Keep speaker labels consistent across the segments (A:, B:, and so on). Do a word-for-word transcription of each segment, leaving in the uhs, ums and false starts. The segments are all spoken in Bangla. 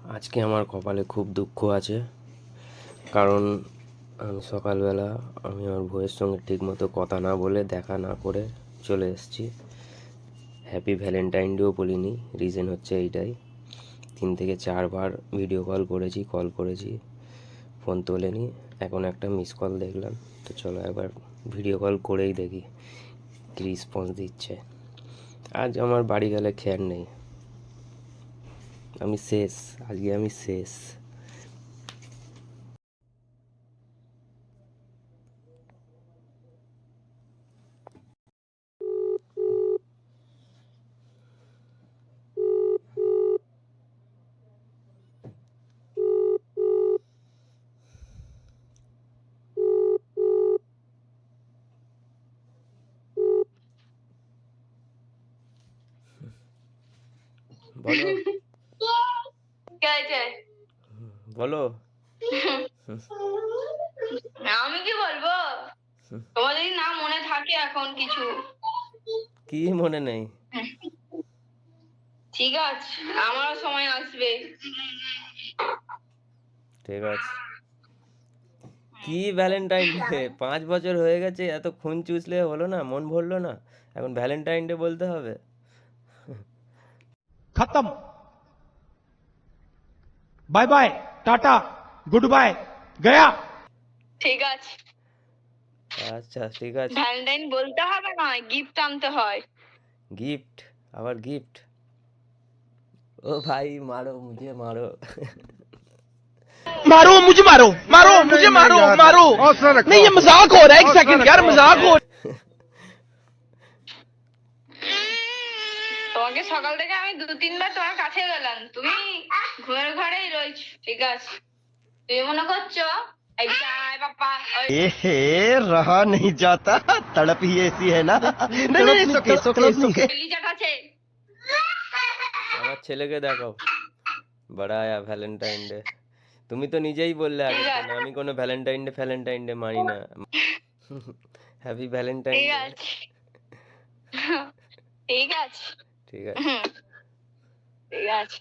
A: আজকে আমার কপালে খুব দুঃখ আছে, কারণ আমি সকালবেলা আমি আমার বউয়ের সঙ্গে ঠিকমতো কথা না বলে দেখা না করে চলে এসেছি। হ্যাপি ভ্যালেন্টাইন ডেও বলিনি। রিজন হচ্ছে এইটাই, তিন থেকে চারবার ভিডিও কল করেছি কল করেছি ফোন তোলেনি। এখন একটা মিস কল দেখলাম, তো চলো একবার ভিডিও কল করেই দেখি কী রেসপন্স দিচ্ছে। আজ আমার বাড়ি গেলে খেয়াল নেই, আমি শেষ, আজকে আমি শেষ। বলো বলো
B: আমি কি বলবো? তোমার যদি না মনে থাকে এখন কিছু,
A: কি মনে নেই?
B: ঠিক আছে, আমারও সময় আসবে।
A: ঠিক আছে। কি ভ্যালেন্টাইন ডে? পাঁচ বছর হয়ে গেছে, এত খুন চুষলে হলো না? মন ভরলো না? এখন ভ্যালেন্টাইন ডে বলতে হবে?
C: खत्म। Bye bye, tata, good bye, गया।
B: ঠিক আছে,
A: আচ্ছা ঠিক আছে।
B: ভ্যালেন্টাইন বলতে হবে না, গিফট আনতে হয়।
A: গিফট? আবার গিফট? ও ভাই মারো, মুঝে মারো।
C: मारो मुझे, मारो मारो मुझे, मारो मारो। नहीं, ये मजाक हो रहा है, एक सेकंड यार, मजाक हो।
B: তোমাকে সকাল থেকে আমি দু তিনবার তোমার কাছে গেলাম, তুমি ঘরের ঘরেই রয়েছ। ঠিক আছে, তুমি মনে করছো এই যাই বাবা
D: ए रहा नहीं जाता, तड़प ही ऐसी है ना। नहीं नहीं सुके सुके सुके
B: লিজাট আছে।
A: আমার ছেলেকে দেখাও, বড় আয়া ভ্যালেন্টাইন ডে। তুমি তো নিজেই বললে আগে, না আমি কোনো ভ্যালেন্টাইন ডে ভ্যালেন্টাইন ডে মানি না। হ্যাপি ভ্যালেন্টাইন
B: ঠিক
A: ডে।
B: আছে, ঠিক আছে,
A: ঠিক আছে।
B: হুম, ঠিক আছে।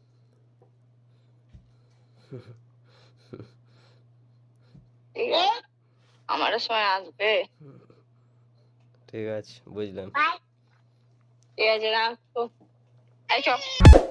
B: ঠিক আছে, আমারও সময় আসবে।
A: ঠিক আছে, বুঝলাম।
B: ঠিক আছে, রাখো। এই চল।